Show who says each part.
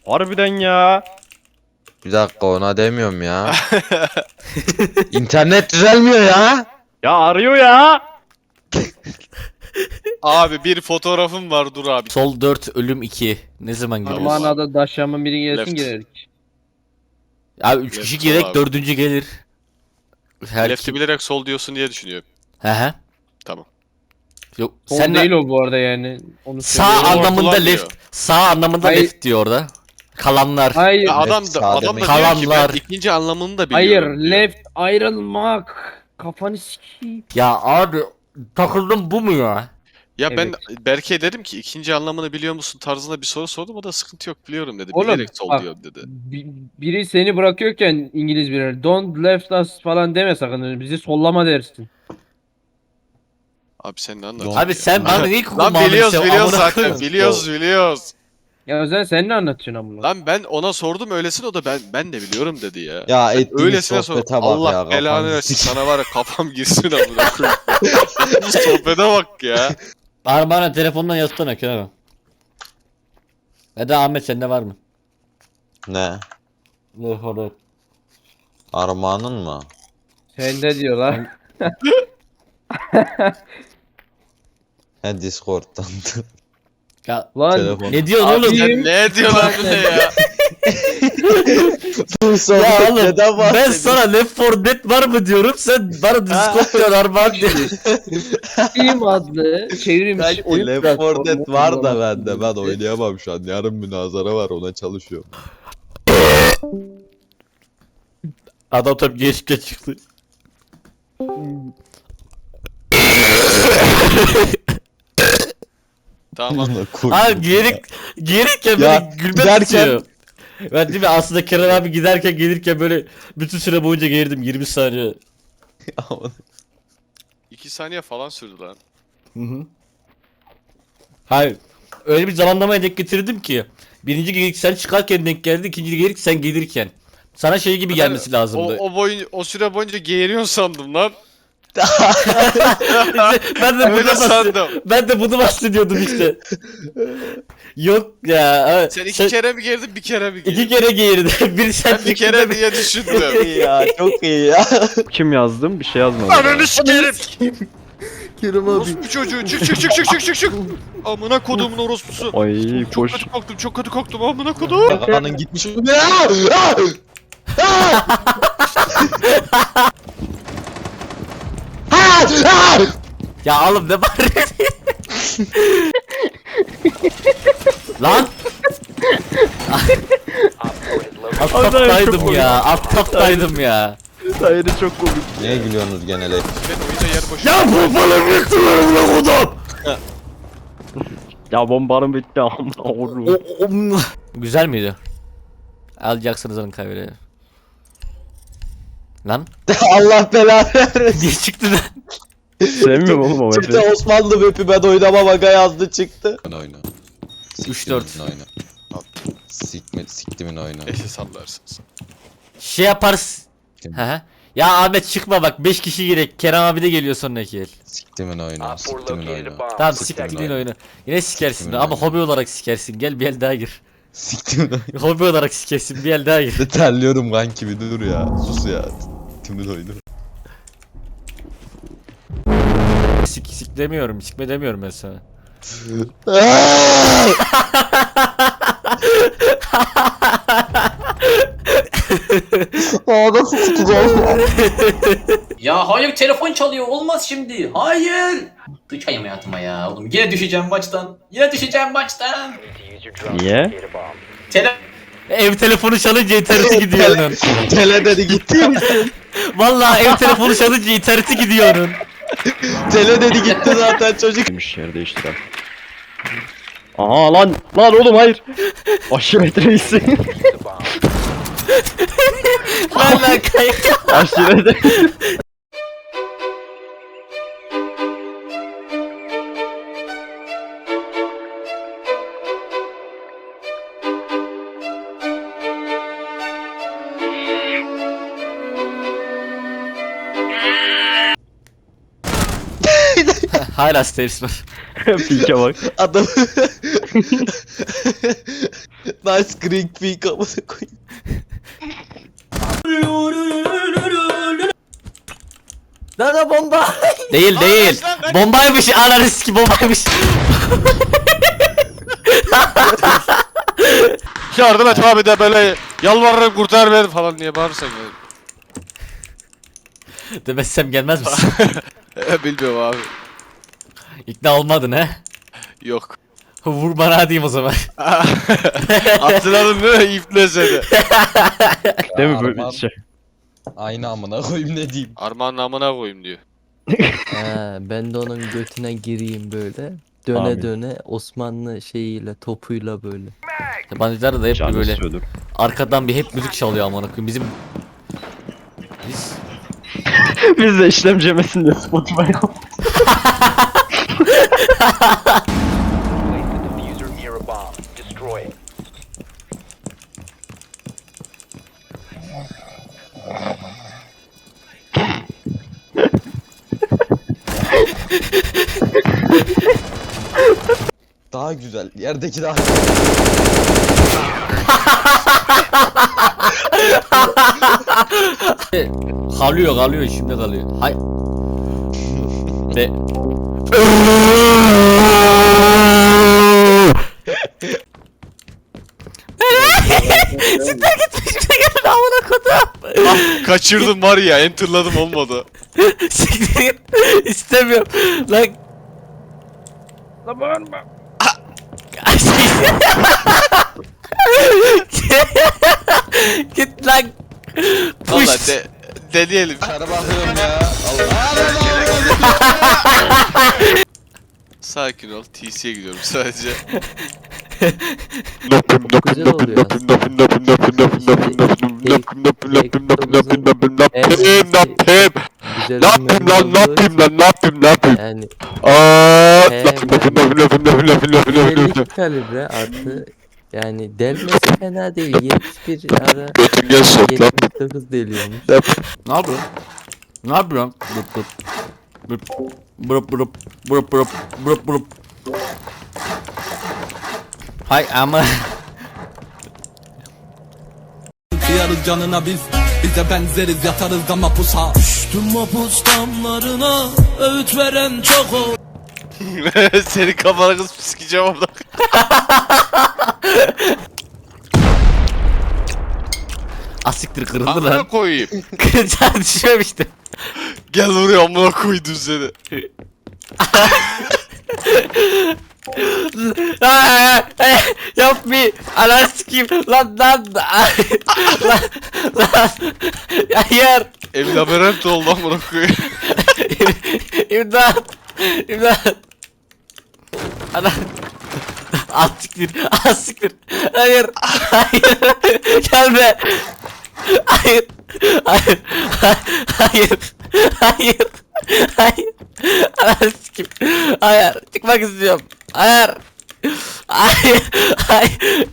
Speaker 1: Harbiden ya.
Speaker 2: Bir dakika ona demiyorum ya. İnternet düzelmiyor ya.
Speaker 1: Ya arıyor ya.
Speaker 3: Abi bir fotoğrafım var, dur abi.
Speaker 4: Sol 4 ölüm 2. Ne zaman giriyoruz?
Speaker 5: Armağanada daşyanın biri gelsin
Speaker 3: Left.
Speaker 5: girerdik.
Speaker 4: Abi 3 kişi
Speaker 3: Left
Speaker 4: gerek
Speaker 3: abi.
Speaker 4: 4. gelir. Her
Speaker 3: Left'i
Speaker 4: kim?
Speaker 3: bilerek sol diyorsun diye düşünüyorum.
Speaker 4: He he.
Speaker 3: Tamam.
Speaker 4: Yok
Speaker 5: Sol
Speaker 4: sen
Speaker 5: değil
Speaker 4: de
Speaker 5: o bu arada yani. Onu
Speaker 4: sağ
Speaker 5: söylüyorum.
Speaker 4: anlamında
Speaker 3: Ortalar
Speaker 4: left.
Speaker 3: diyor.
Speaker 4: Sağ anlamında
Speaker 5: Hayır.
Speaker 4: left diyor orada. Kalanlar.
Speaker 5: Hayır.
Speaker 3: Ya adam
Speaker 2: sağ
Speaker 3: da diyor
Speaker 4: demek.
Speaker 3: ki ben
Speaker 4: Kalanlar.
Speaker 3: ikinci anlamını da
Speaker 5: Hayır.
Speaker 3: biliyorum. diyor.
Speaker 5: Left ayrılmak. Kafanı sikeyim.
Speaker 4: Ya abi takıldım bu mu ya?
Speaker 3: Ya ben
Speaker 5: Evet.
Speaker 3: Berke'ye dedim ki ikinci anlamını biliyor musun tarzında bir soru sordum, o da sıkıntı yok biliyorum dedi.
Speaker 5: Oğlum,
Speaker 3: Bilerek sol
Speaker 5: bak.
Speaker 3: diyor dedi.
Speaker 5: Biri seni bırakıyorken İngiliz biri don't left us falan deme sakın. Bizi sollama dersin.
Speaker 3: Abi sen ne anlatıyorsun?
Speaker 4: Abi
Speaker 3: ya?
Speaker 4: sen bana ilk
Speaker 3: Lan biliyoruz zaten.
Speaker 4: koyayım.
Speaker 3: Biliyoruz.
Speaker 5: Ya Özen sen ne anlatıyorsun amına?
Speaker 3: Lan ben ona sordum öylesine, o da ben de biliyorum dedi ya.
Speaker 2: Ya ettiğiniz
Speaker 3: Öylesine sor.
Speaker 2: sohbete bak
Speaker 3: Allah
Speaker 2: ya.
Speaker 3: belanı
Speaker 2: kafanı
Speaker 3: versin,
Speaker 2: sik-
Speaker 3: sana var ya kafam girsin amına koyayım. Bu sohbete bak ya.
Speaker 4: Bana telefondan yazsana Kerem. Ya da Ahmet sende var mı?
Speaker 2: Ne?
Speaker 4: Orada.
Speaker 2: Armağanın mı?
Speaker 5: Sende diyorlar.
Speaker 2: He Discord'dan.
Speaker 4: Ya
Speaker 5: Lan
Speaker 2: Telefon.
Speaker 4: ne diyorsun
Speaker 3: Abi
Speaker 4: oğlum?
Speaker 3: sen ne diyorsun lan bu ne ya?
Speaker 4: Ya oğlum
Speaker 2: Neden
Speaker 4: ben sana Left 4 Dead var mı diyorum, sen bana Discord diyorsun Armağan diyorsun.
Speaker 5: Steam adlı çevrilmiş oyun
Speaker 2: Left 4
Speaker 5: platformu
Speaker 2: Dead var da
Speaker 5: uygulaması
Speaker 2: bende. Ben oynayamam şu an. Yarın münazara var, ona çalışıyorum.
Speaker 4: Adam tabi geçte çıktı.
Speaker 3: Tamam.
Speaker 4: Abi gelirken
Speaker 2: Ya,
Speaker 4: böyle gülmek
Speaker 2: giderken-
Speaker 4: istiyor. Ben değil mi aslında Kerem abi giderken gelirken böyle bütün süre boyunca geğirdim 20 saniye.
Speaker 3: 2 saniye falan sürdü lan.
Speaker 4: Hı hı. Hayır. Öyle bir zamanlamaya denk getirdim ki. Birinci geyirik sen çıkarken denk geldi, ikinci geyirik sen gelirken. Sana şey gibi gelmesi lazımdı.
Speaker 3: O süre boyunca geğiriyorsun sandım lan.
Speaker 4: ben de
Speaker 3: Öyle
Speaker 4: bunu
Speaker 3: sandım.
Speaker 4: ben de bunu bahsediyordum işte. Yok ya.
Speaker 3: Sen iki kere mi geğirdin, bir kere mi geğirdin?
Speaker 4: iki kere geğirdi. Bir sen
Speaker 3: Ben bir kere diye düşündüm.
Speaker 2: İyi ya, çok iyi ya.
Speaker 1: Kim yazdım? Bir şey yazmadım.
Speaker 3: Ananı sikerim.
Speaker 2: Kerim
Speaker 3: Orospu çocuğu, çık. Amına kodumun orospusu.
Speaker 1: Ay
Speaker 3: Çok
Speaker 1: boş.
Speaker 3: kötü koktum amına kodum.
Speaker 2: Kafanın gitmiş.
Speaker 4: Ya oğlum ne bağırıyorsun? Lan! Alt taptaydım ya, alt taptaydım ya.
Speaker 1: Hayır çok komik.
Speaker 2: Niye gülüyorsunuz genel?
Speaker 3: Ben oyunca yer boş.
Speaker 4: Ya bu bana bitirmedim lan kodum!
Speaker 1: Ya bombarım bitti amına oğlum.
Speaker 4: Güzel miydi? Alacaksınız onun kaybeder. Lan?
Speaker 2: Allah belanı versin.
Speaker 4: Niye çıktı lan?
Speaker 1: Sevmiyorum oğlum o
Speaker 2: Çıktı
Speaker 1: map'i.
Speaker 2: Osmanlı map'i, ben oynamam aga yazdı çıktı. Oyna.
Speaker 4: 3-4.
Speaker 2: Oyna. Siktimin oyna.
Speaker 3: Eşe sallarsınız.
Speaker 4: Şey yaparız. Hı. Ya Ahmet çıkma bak 5 kişi gerek. Kerem abi de geliyor sonraki el.
Speaker 2: Siktimin oyna. Siktimin oyna.
Speaker 4: Tamam
Speaker 2: Siktimin
Speaker 4: siktimin
Speaker 2: oyunu.
Speaker 4: oyunu. Yine sikersin
Speaker 2: Siktimin
Speaker 4: ama
Speaker 2: oyunu.
Speaker 4: hobi olarak sikersin. Gel bir el daha gir.
Speaker 2: Siktimin oyna.
Speaker 4: Hobi olarak sikersin bir el daha gir.
Speaker 2: Terliyorum kanki, bir dur ya. Sus ya. Siktimin oyunu.
Speaker 4: Sik demiyorum. Sikme demiyorum ben sana.
Speaker 2: Nasıl sikeceğim?
Speaker 6: Ya hayır telefon çalıyor olmaz şimdi. Hayır. Sıçayım hayatıma ya oğlum. Yine düşeceğim maçtan.
Speaker 1: Niye?
Speaker 4: Ev telefonu çalınca interneti gidiyor onun.
Speaker 2: Tele dedi gitti.
Speaker 4: Vallahi ev telefonu çalınca interneti gidiyor onun.
Speaker 2: Tele dedi gitti zaten çocuk.
Speaker 1: Demiş yer değiştiren. Aha lan oğlum hayır. Aşiret reisi.
Speaker 4: Vallahi kayıp.
Speaker 1: Aşiret.
Speaker 4: Hala steps var.
Speaker 1: Pike bak.
Speaker 2: Adam Nice green peak amına koyayım.
Speaker 4: Nerede bomba? Değil değil. Bombaymış ananı ki bombaymış.
Speaker 3: Yardım et abi de böyle yalvarırım kurtar beni falan diye bağırırsan ya.
Speaker 4: Demezsem gelmez misin?
Speaker 3: Bilmiyorum abi.
Speaker 4: İkna olmadın he?
Speaker 3: Yok.
Speaker 4: Vur bana diyeyim o zaman.
Speaker 3: Hatırladın değil mi? İple seni.
Speaker 1: Değil mi böyle
Speaker 2: Armağan-
Speaker 1: şey?
Speaker 2: Aynı amına koyayım ne diyeyim.
Speaker 3: Armağanın amına koyayım diyor.
Speaker 7: Ben de onun götüne gireyim böyle. Döne
Speaker 1: Amin.
Speaker 7: döne Osmanlı şeyiyle topuyla böyle.
Speaker 4: Yabancılar da hep
Speaker 1: Canı
Speaker 4: böyle
Speaker 1: istiyordur.
Speaker 4: arkadan bir hep müzik çalıyor amına koyayım. Biz
Speaker 1: Biz de işlemci yemesin diye Spotify
Speaker 2: Daha güzel. Yerdeki daha
Speaker 4: kalıyor şimdi kalıyor. Hay. Be. Siktir gitmiş bir geldi amına kodum.
Speaker 3: Ah, kaçırdım var ya, enterladım olmadı.
Speaker 4: Siktir git. İstemiyorum. Lan.
Speaker 5: Lan bağırma.
Speaker 4: Git lan.
Speaker 3: Valla
Speaker 4: Push.
Speaker 3: deneyelim.
Speaker 2: Kara bakıyorum ya. Allah.
Speaker 3: Sakin ol. TC'ye gidiyorum sadece.
Speaker 7: Güzel oluyor Güzel yani belli kalibre artı yani delmesi fena değil 71 ara 79 deliyormuş.
Speaker 4: Ne yapıyorsun? Ne yapıyorsun? Burup burup burup burup burup burup. Hay ama
Speaker 8: Kıyarız canına biz bize benzeriz yatarız da mapusa. Düştüm mapus damlarına öğüt veren çok ol.
Speaker 3: Senin kafana kız sikeceğim orada.
Speaker 4: asiktir kırıldı
Speaker 3: Amına
Speaker 4: lan.
Speaker 3: koyayım.
Speaker 4: Kırılacağını düşünmemiştim.
Speaker 3: Gel buraya, amına koydum seni.
Speaker 4: Yapma. Ananı sikeyim. Lan. Lan. Hayır.
Speaker 3: Ev labirent oldu amına koyayım.
Speaker 4: İmdat. İmdat. Ana. Az siktir. Az siktir. Hayır. Hayır. Gelme. Hayır. Hayır. Hayır. Hayır. Hayır. Ananı sikeyim. Hayır. Çıkmak istiyorum. Hayır. Hayır. Hayır.